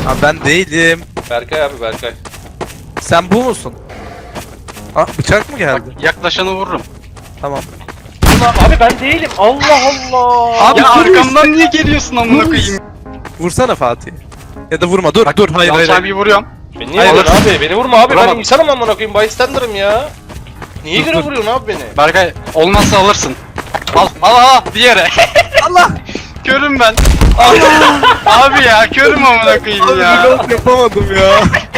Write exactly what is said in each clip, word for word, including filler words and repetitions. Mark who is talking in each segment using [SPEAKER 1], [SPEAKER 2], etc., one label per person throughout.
[SPEAKER 1] Abi ben değilim.
[SPEAKER 2] Berkay abi Berkay.
[SPEAKER 1] Sen bu musun? Aa, bıçak mı geldi?
[SPEAKER 3] Bak, yaklaşanı vururum.
[SPEAKER 1] Tamam.
[SPEAKER 2] Abi ben değilim. Allah Allah.
[SPEAKER 1] Abi
[SPEAKER 3] Ya
[SPEAKER 1] dur
[SPEAKER 3] arkamdan niye geliyorsun amına koyayım?
[SPEAKER 1] Vursana Fatih. Ya da vurma. Dur
[SPEAKER 3] Bak,
[SPEAKER 1] dur. Hayır hayır.
[SPEAKER 3] Yalçın
[SPEAKER 1] hayır.
[SPEAKER 3] abiyi vuruyorum.
[SPEAKER 2] Beni niye
[SPEAKER 1] Hayır,
[SPEAKER 2] vuruyorsun abi? Beni vurma abi. Ben
[SPEAKER 3] Vuramam.
[SPEAKER 2] insanım amına koyayım. Bystander'ım ya. Niye
[SPEAKER 1] Dur,
[SPEAKER 2] göre
[SPEAKER 1] dur.
[SPEAKER 2] vuruyorsun abi beni?
[SPEAKER 3] Berkay olmazsa alırsın. Al al al bir yere.
[SPEAKER 1] Allah.
[SPEAKER 3] Körüm ben. Abi ya körüm amına koyayım ya.
[SPEAKER 1] Reload yapamadım ya.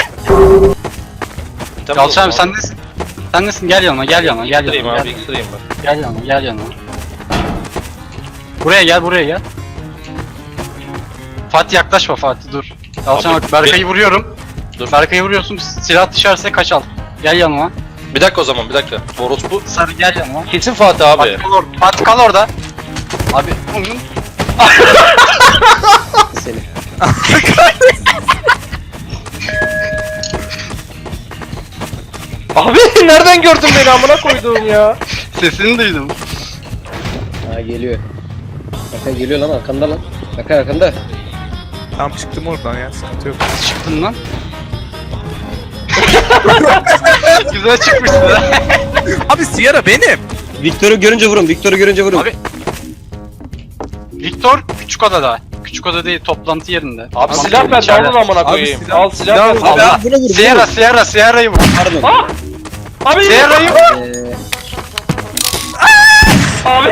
[SPEAKER 3] Yalçın abi sen nesin? Sen nesin? Gel yanıma gel yanıma gel
[SPEAKER 2] X-ray'im
[SPEAKER 3] yanıma.
[SPEAKER 2] abi
[SPEAKER 3] Gel,
[SPEAKER 2] X-ray'im bak.
[SPEAKER 3] gel yanıma gel yanıma. Buraya gel buraya gel. Fatih yaklaşma Fatih dur. Yalçın
[SPEAKER 2] Abi,
[SPEAKER 3] bak Berkay'ı vuruyorum.
[SPEAKER 2] Dur.
[SPEAKER 3] Berkay'ı vuruyorsun silah düşerse kaç al. Gel yanıma.
[SPEAKER 2] Bir dakika o zaman bir dakika. Orospu.
[SPEAKER 3] Sarı gel yanıma.
[SPEAKER 2] Kesin Fatih abi.
[SPEAKER 3] Fatih kal orada. Fatih kal orada. Abi onun
[SPEAKER 4] Seni.
[SPEAKER 2] Abi nereden gördün beni amına koyduğum ya?
[SPEAKER 3] sesini duydum.
[SPEAKER 4] Ha geliyor. Berkay geliyor lan arkanda lan. Berkay arkanda.
[SPEAKER 1] Tamam çıktım oradan ya. Sıkıntı yok.
[SPEAKER 3] Çıktın lan. Güzel çıkmışsın ha.
[SPEAKER 1] Abi Sierra benim.
[SPEAKER 4] Victor'u görünce vurun. Victor'u görünce vurun.
[SPEAKER 3] Abi. Victor küçük odada. Küçük oda değil toplantı yerinde.
[SPEAKER 2] Abi
[SPEAKER 3] Toplantı
[SPEAKER 2] silah
[SPEAKER 3] yerinde,
[SPEAKER 2] ver
[SPEAKER 3] içeride.
[SPEAKER 2] tamam amına
[SPEAKER 1] Abi
[SPEAKER 2] koyayım.
[SPEAKER 1] silah-
[SPEAKER 2] Al silah
[SPEAKER 1] silah
[SPEAKER 2] ver.
[SPEAKER 1] ver.
[SPEAKER 2] Allah.
[SPEAKER 4] Abi buna vur.
[SPEAKER 3] Sierra Sierra Sierra'yı vur.
[SPEAKER 4] Pardon.
[SPEAKER 2] Ah! Abi
[SPEAKER 3] Sierra'yı vur.
[SPEAKER 4] Eee...
[SPEAKER 2] Abi.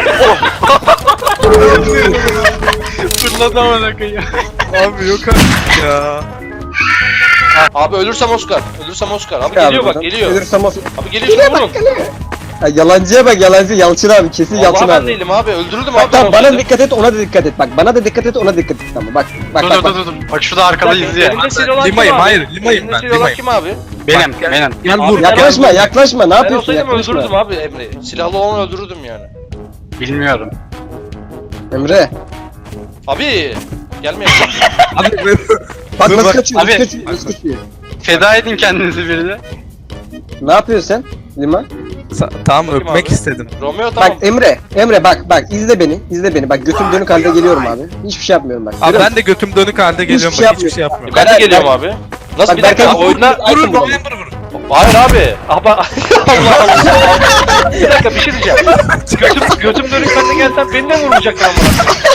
[SPEAKER 3] Fırladı amına koyayım.
[SPEAKER 1] Abi yok artık ya.
[SPEAKER 2] Abi ölürsem Oscar. Ölürsem Oscar. Abi
[SPEAKER 4] Abi
[SPEAKER 2] geliyor bak
[SPEAKER 4] buradan.
[SPEAKER 2] geliyor.
[SPEAKER 4] Ölürsem olsun.
[SPEAKER 2] Abi geliyor şunu vurun.
[SPEAKER 4] Ha, yalancıya bak yalancı. Yalçın abi kesin Yalçın
[SPEAKER 2] Vallahi ben
[SPEAKER 4] abi.
[SPEAKER 2] değilim abi. Öldürürdüm
[SPEAKER 4] Bak
[SPEAKER 2] abi.
[SPEAKER 4] tamam
[SPEAKER 2] ben
[SPEAKER 4] bana
[SPEAKER 2] olsaydım.
[SPEAKER 4] dikkat et ona da dikkat et. Bak bana da dikkat et ona dikkat et. Tamam bak. Bak
[SPEAKER 3] Dur
[SPEAKER 4] bak
[SPEAKER 3] dur
[SPEAKER 4] bak.
[SPEAKER 3] dur dur. Bak şurada arkada izliyor.
[SPEAKER 2] Elimde silah olan kim
[SPEAKER 1] Limayım,
[SPEAKER 2] abi?
[SPEAKER 1] hayır, limayım
[SPEAKER 2] Elimde
[SPEAKER 1] ben,
[SPEAKER 2] silah olan
[SPEAKER 1] limayım.
[SPEAKER 2] kim abi?
[SPEAKER 3] Benim
[SPEAKER 1] Gel.
[SPEAKER 3] benim.
[SPEAKER 1] Gel
[SPEAKER 2] Abi
[SPEAKER 1] vur.
[SPEAKER 2] ben-
[SPEAKER 4] Yaklaşma yaklaşma ne
[SPEAKER 2] Ben
[SPEAKER 4] yapıyorsun
[SPEAKER 2] olsaydım
[SPEAKER 4] yaklaşma.
[SPEAKER 2] öldürürdüm abi Emre'yi. Silahlı olanı öldürürdüm yani.
[SPEAKER 3] Bilmiyorum.
[SPEAKER 4] Emre.
[SPEAKER 2] Abi gelmeyin.
[SPEAKER 4] Bak
[SPEAKER 1] Dur,
[SPEAKER 4] nasıl
[SPEAKER 1] bak.
[SPEAKER 4] kaçıyor
[SPEAKER 3] Abi.
[SPEAKER 4] nasıl kaçıyor nasıl kaçıyor.
[SPEAKER 3] Feda edin kendinizi birine.
[SPEAKER 4] Ne yapıyorsun sen Liman?
[SPEAKER 1] Sa- tamam
[SPEAKER 2] Bakayım
[SPEAKER 1] öpmek
[SPEAKER 2] abi.
[SPEAKER 1] istedim.
[SPEAKER 2] Romeo tamam.
[SPEAKER 4] Bak Emre, Emre bak bak izle beni, izle beni. Bak götüm dönük halde geliyorum abi. Hiçbir şey yapmıyorum bak.
[SPEAKER 1] Abi
[SPEAKER 4] Görüyor
[SPEAKER 1] ben de götüm dönük halde geliyorum
[SPEAKER 4] şey
[SPEAKER 1] bak hiçbir şey yapmıyorum.
[SPEAKER 2] Ben de
[SPEAKER 4] Bak-
[SPEAKER 2] geliyorum
[SPEAKER 4] bak-
[SPEAKER 2] abi. Nasıl
[SPEAKER 4] Bak
[SPEAKER 2] bir dakika
[SPEAKER 4] Berkay
[SPEAKER 2] oyunda...
[SPEAKER 4] vurur
[SPEAKER 1] Vurun
[SPEAKER 4] vurur.
[SPEAKER 1] November vurun.
[SPEAKER 2] Hayır abi. Ama Allah Allah. Bir dakika bir şey diyeceğim. Götüm, götüm dönük halde gelsen beni de vurmayacaktın ama.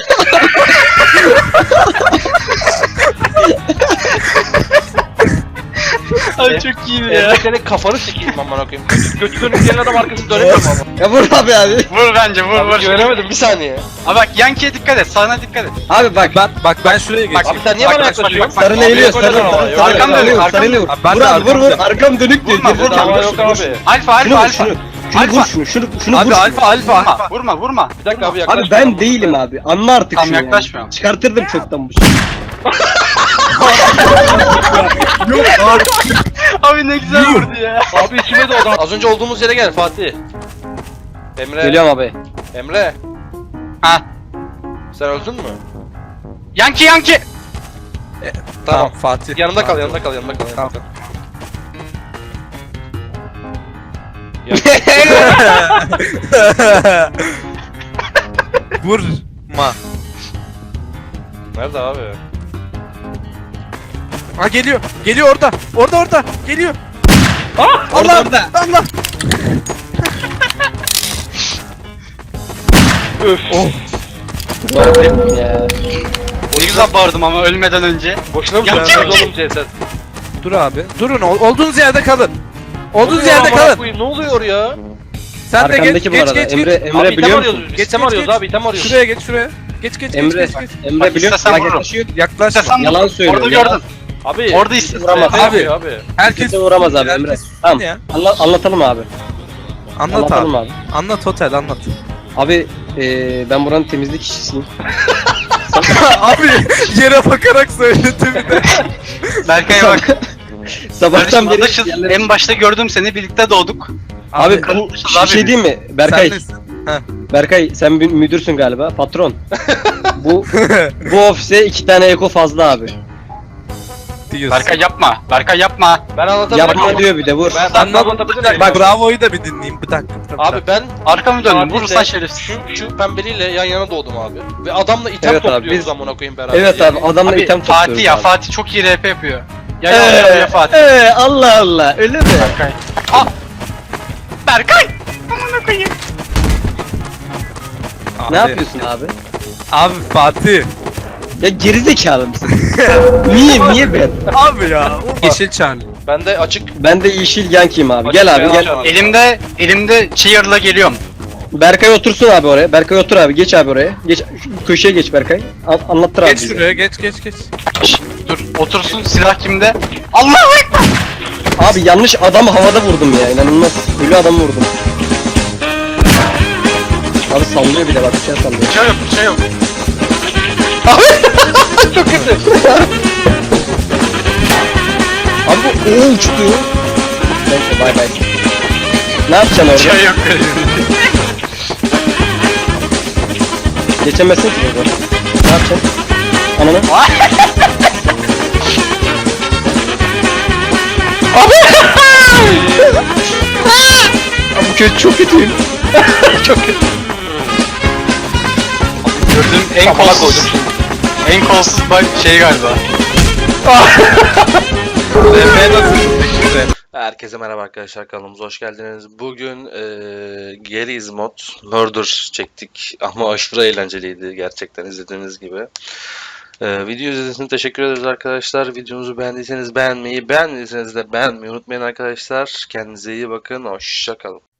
[SPEAKER 3] Ay çok iyiydi
[SPEAKER 2] Ya senin kafanı sikeyim amına koyayım. Götü dönük gelen adam arkasını dönemiyor ama.
[SPEAKER 4] Ya vur abi abi.
[SPEAKER 3] Vur bence vur
[SPEAKER 2] Abi
[SPEAKER 3] vur.
[SPEAKER 2] güvenemedim bir saniye.
[SPEAKER 3] Abi bak Yankee'ye dikkat et. Sağına dikkat et.
[SPEAKER 4] Abi bak.
[SPEAKER 1] Ben bak ben şuraya geçeyim.
[SPEAKER 2] Abi sen niye
[SPEAKER 3] Bak,
[SPEAKER 2] bana
[SPEAKER 3] bak, bak,
[SPEAKER 2] yaklaşıyorsun?
[SPEAKER 3] bak,
[SPEAKER 4] Sarı eğiliyor,
[SPEAKER 2] Yok
[SPEAKER 4] sarı
[SPEAKER 2] hocam ama,
[SPEAKER 4] sarı
[SPEAKER 2] yok.
[SPEAKER 4] sarı
[SPEAKER 3] Arkam
[SPEAKER 4] sarı
[SPEAKER 3] dönük,
[SPEAKER 4] sarı
[SPEAKER 3] arkam
[SPEAKER 4] sarı
[SPEAKER 1] Abi ben
[SPEAKER 4] Vur
[SPEAKER 1] de
[SPEAKER 4] abi vur vur
[SPEAKER 1] arkam
[SPEAKER 4] arkam dönük diyor.
[SPEAKER 3] Vurma,
[SPEAKER 4] Vur
[SPEAKER 3] vurma,
[SPEAKER 4] abi,
[SPEAKER 2] Ama
[SPEAKER 4] vur
[SPEAKER 2] yok
[SPEAKER 4] şunu, vur
[SPEAKER 2] abi.
[SPEAKER 4] şunu.
[SPEAKER 3] Alfa
[SPEAKER 4] Şunu
[SPEAKER 3] alfa
[SPEAKER 4] vur şunu.
[SPEAKER 3] alfa.
[SPEAKER 4] Şunu
[SPEAKER 3] Alfa.
[SPEAKER 4] vur şunu. Şunu şunu
[SPEAKER 1] Abi
[SPEAKER 4] vur.
[SPEAKER 1] alfa alfa
[SPEAKER 3] Vurma
[SPEAKER 1] alfa.
[SPEAKER 3] vurma vurma.
[SPEAKER 2] Bir dakika abi yaklaş.
[SPEAKER 4] Abi ben değilim abi. Anla artık
[SPEAKER 3] Tamam,
[SPEAKER 4] şunu. yani.
[SPEAKER 3] yaklaşmıyorum.
[SPEAKER 4] Çıkartırdım çoktan bu şeyi.
[SPEAKER 3] Abi ne güzel vurdu ya.
[SPEAKER 2] Abi içime doğdu. Az önce olduğumuz yere gel Fatih. Emre.
[SPEAKER 4] Geliyorum abi.
[SPEAKER 2] Emre.
[SPEAKER 3] Ha.
[SPEAKER 2] Sen öldün mü?
[SPEAKER 3] Yankee Yankee.
[SPEAKER 1] Tamam Fatih.
[SPEAKER 2] Yanımda kal,
[SPEAKER 1] Fatih.
[SPEAKER 2] yanımda kal, yanımda kal. Yanımda
[SPEAKER 1] Tamam.
[SPEAKER 2] kal.
[SPEAKER 1] Vurma.
[SPEAKER 2] Nerede abi?
[SPEAKER 1] Ha geliyor. Geliyor orada. Orada orada. Geliyor.
[SPEAKER 2] Ah!
[SPEAKER 1] Allah Allah.
[SPEAKER 2] Öf.
[SPEAKER 1] Oh.
[SPEAKER 4] Ya.
[SPEAKER 3] Ne güzel bağırdım ama ölmeden önce.
[SPEAKER 2] Boşuna mı
[SPEAKER 3] Yankee,
[SPEAKER 2] söylüyorsun
[SPEAKER 3] Yankee.
[SPEAKER 2] oğlum ceset?
[SPEAKER 1] Dur abi. Durun. ol- Olduğunuz yerde kalın.
[SPEAKER 2] Ne
[SPEAKER 1] Olduğunuz
[SPEAKER 2] oluyor
[SPEAKER 1] yerde
[SPEAKER 2] amına
[SPEAKER 1] kalın.
[SPEAKER 2] koyayım? Ne oluyor ya?
[SPEAKER 1] Sen de geç
[SPEAKER 4] Arkandaki bu
[SPEAKER 1] geç
[SPEAKER 4] arada.
[SPEAKER 1] geç.
[SPEAKER 4] Emre
[SPEAKER 1] geç.
[SPEAKER 4] Emre
[SPEAKER 2] Abi item
[SPEAKER 4] biliyor
[SPEAKER 2] arıyoruz
[SPEAKER 4] musun?
[SPEAKER 2] biz.
[SPEAKER 1] Geç,
[SPEAKER 2] İtem
[SPEAKER 1] geç,
[SPEAKER 2] arıyoruz
[SPEAKER 1] geç.
[SPEAKER 2] abi, item arıyoruz.
[SPEAKER 1] Şuraya geç şuraya. Geç geç
[SPEAKER 4] Emre
[SPEAKER 1] geç geç. geç.
[SPEAKER 4] Emre
[SPEAKER 3] Bak,
[SPEAKER 4] biliyor musun?
[SPEAKER 3] istesem
[SPEAKER 4] Bak
[SPEAKER 3] vururum.
[SPEAKER 4] yaklaşıyor.
[SPEAKER 1] Yaklaşma.
[SPEAKER 3] İstesem
[SPEAKER 4] Yalan söylüyor.
[SPEAKER 3] Orada
[SPEAKER 4] yalan.
[SPEAKER 3] gördün.
[SPEAKER 2] Abi.
[SPEAKER 3] Orada istesem.
[SPEAKER 4] Vuramaz.
[SPEAKER 2] Abi.
[SPEAKER 1] Abi.
[SPEAKER 2] Abi.
[SPEAKER 1] Herkes
[SPEAKER 4] Kimse vuramaz abi Emre.
[SPEAKER 1] herkes
[SPEAKER 4] Tamam.
[SPEAKER 1] ya.
[SPEAKER 4] Anla, anlatalım abi.
[SPEAKER 1] Anlat
[SPEAKER 4] Anlatalım
[SPEAKER 1] abi.
[SPEAKER 4] abi.
[SPEAKER 1] Anlat otel anlat.
[SPEAKER 4] Abi eee ben buranın temizlik işçisiyim.
[SPEAKER 1] Abi yere bakarak söyledim bir de.
[SPEAKER 3] Berkay'a bak.
[SPEAKER 4] Sabahtan
[SPEAKER 3] Kardeşim
[SPEAKER 4] beri
[SPEAKER 3] adaşız.
[SPEAKER 4] yerlere-
[SPEAKER 3] En başta gördüm seni birlikte doğduk.
[SPEAKER 4] Abi,
[SPEAKER 1] Abi,
[SPEAKER 4] bu
[SPEAKER 3] kardeşiz
[SPEAKER 4] bir
[SPEAKER 3] abi
[SPEAKER 4] şey
[SPEAKER 3] biz.
[SPEAKER 4] değil mi? Berkay,
[SPEAKER 1] sen nesin?
[SPEAKER 4] Berkay sen bir müdürsün galiba, patron. bu bu ofise iki tane eko fazla abi.
[SPEAKER 1] Diyorsun.
[SPEAKER 3] Berkay yapma. Berkay yapma.
[SPEAKER 2] Ben anlatabilirim.
[SPEAKER 4] Yapma diyor bir de vur.
[SPEAKER 2] Ben, ben
[SPEAKER 1] Anladım. Bir
[SPEAKER 2] anlatabilirim.
[SPEAKER 1] dakika, Bak Bravo'yu da bir dinleyeyim. Bir dakika. bir dakika.
[SPEAKER 5] Abi ben
[SPEAKER 3] Arkamı döndüm.
[SPEAKER 5] Fatih'le
[SPEAKER 3] Vurursan şerefsiz.
[SPEAKER 5] şu, şu pembeliyle yan yana doğdum abi. Ve adamla item
[SPEAKER 4] Evet abi,
[SPEAKER 5] topluyoruz
[SPEAKER 4] biz-
[SPEAKER 5] amına koyayım beraber.
[SPEAKER 4] Evet abi adamla
[SPEAKER 3] Abi
[SPEAKER 4] item
[SPEAKER 3] Fatih
[SPEAKER 4] topluyoruz
[SPEAKER 3] ya.
[SPEAKER 4] abi.
[SPEAKER 3] Fatih çok iyi R P yapıyor. Ya
[SPEAKER 4] Ee,
[SPEAKER 3] ya ya Fatih.
[SPEAKER 4] ee, Allah Allah öyle mi?
[SPEAKER 3] Berkay. Aa! Berkay! Amına koyayım.
[SPEAKER 1] Abi,
[SPEAKER 4] Ne yapıyorsun abi?
[SPEAKER 1] Abi Fatih.
[SPEAKER 4] Ya gerizekalı mısın? niye niye ben?
[SPEAKER 1] Abi ya. Yeşil çarlı.
[SPEAKER 5] Ben de açık
[SPEAKER 4] Ben de yeşil yankiyim abi.
[SPEAKER 5] açık
[SPEAKER 4] Gel abi
[SPEAKER 5] beyaz
[SPEAKER 4] gel.
[SPEAKER 5] çarpı.
[SPEAKER 3] Elimde elimde cheer'la geliyorum.
[SPEAKER 4] Berkay otursun abi oraya. Berkay otur abi. Geç abi oraya. Geç şu köşeye geç Berkay. An- anlattır abi.
[SPEAKER 1] Geç
[SPEAKER 4] bize.
[SPEAKER 1] şuraya geç geç geç.
[SPEAKER 3] Şşt, dur otursun silah kimde? Allahu ekber.
[SPEAKER 4] Abi yanlış adamı havada vurdum ya. İnanılmaz. Ölü adamı vurdum. Abi sallıyor bir de bak bir şey sallıyor.
[SPEAKER 3] Bir şey yok bir şey yok.
[SPEAKER 2] Çok kötü.
[SPEAKER 4] Abi bu o uçtu. Neyse bay bay. Ne yapacaksın
[SPEAKER 3] Bir
[SPEAKER 4] orada?
[SPEAKER 3] şey yok.
[SPEAKER 4] Geçemezsin ki burada. Ne yapacaksın? Ananı. Abi bu kötü çok kötüyüm. çok kötü.
[SPEAKER 3] Gördüğüm en kolsuz. En kolsuz bak şey galiba.
[SPEAKER 1] R P nasıl şimdi?
[SPEAKER 5] Herkese merhaba arkadaşlar, kanalımıza hoş geldiniz. Bugün eee Geriz mod Murder çektik ama aşırı eğlenceliydi gerçekten, izlediğiniz gibi. Eee video izlediğiniz için teşekkür ederiz arkadaşlar. Videomuzu beğendiyseniz beğenmeyi, beğenmediyseniz de beğenmeyi unutmayın arkadaşlar. Kendinize iyi bakın, hoşça kalın.